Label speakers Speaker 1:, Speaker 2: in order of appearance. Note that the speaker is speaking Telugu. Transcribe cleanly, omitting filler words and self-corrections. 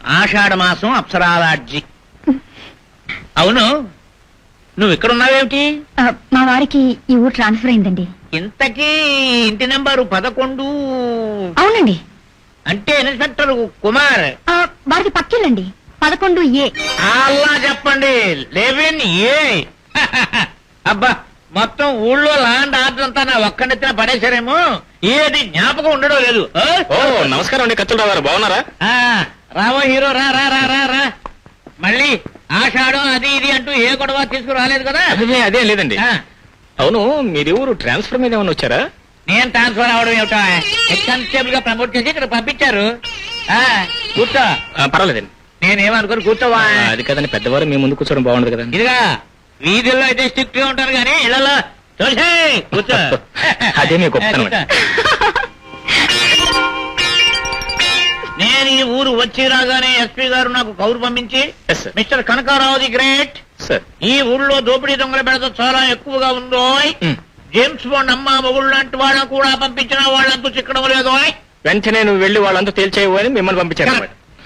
Speaker 1: ఆషాఢ మాసం అప్సరాలాడ్జి. అవును, నువ్వు ఇక్కడ ఉన్నావేమిటి?
Speaker 2: మా వారికి ఈ ఊరు ట్రాన్స్ఫర్ అయిందండి.
Speaker 1: ఇంతకీ ఇంటి నెంబరు 11.
Speaker 2: అవునండి.
Speaker 1: అంటే ఇన్స్పెక్టర్ కుమార్
Speaker 2: వారికి పక్కిల్లండి, 11A.
Speaker 1: అలా చెప్పండి, 11A. అబ్బా, మొత్తం ఊళ్ళో ల్యాండ్ ఆర్డర్ అంతా నా ఒక్కడెత్తిన పడేశారేమో, ఏది జ్ఞాపకం ఉండడం లేదు.
Speaker 3: నమస్కారం అండి కత్తులరావు గారు, బాగున్నారా?
Speaker 1: రావో హీరో, రా రా రా రా రా. మళ్ళీ ఆషాఢం అది ఇది అంటూ ఏ గొడవ తీసుకురాలేదు కదా?
Speaker 3: అదే లేదండి. అవును, మీరు ఊరు ట్రాన్స్ఫర్ మీద ఏమైనా వచ్చారా?
Speaker 1: నేను ట్రాన్స్ఫర్ అవడం ఏమిటో, హెడ్ కానిస్టేబుల్ గా ప్రమోట్ చేసి ఇక్కడ పంపించారు. కూర్చో.
Speaker 3: పర్వాలేదండి.
Speaker 1: నేనేమనుకోను, కూర్చోవా.
Speaker 3: అది కదండి, పెద్దవారు మీ ముందు కూర్చోవడం బాగుండదు కదండి.
Speaker 1: ఇదిగా వీధుల్లో అయితే స్ట్రిక్ట్ గా ఉంటారు కానీ ఇళ్లలో చూసే కూర్చో.
Speaker 3: అదే మీకు గొప్పతనం.
Speaker 1: నేను ఈ ఊరు వచ్చి రాగానే ఎస్పీ గారు నాకు కౌరు పంపించి, మిస్టర్ కనకారావు ది గ్రేట్, ఈ ఊళ్ళో దోపిడీ దొంగల బెడత చాలా ఎక్కువగా ఉందో, జేమ్స్ బాండ్ అమ్మ మొగుళ్ళు లాంటి వాళ్ళని కూడా పంపించిన వాళ్ళంతా చిక్కడం లేదో,
Speaker 3: వెంటనే నువ్వు వెళ్లి వాళ్ళంతా తేల్చేయవు అని మిమ్మల్ని పంపించారు.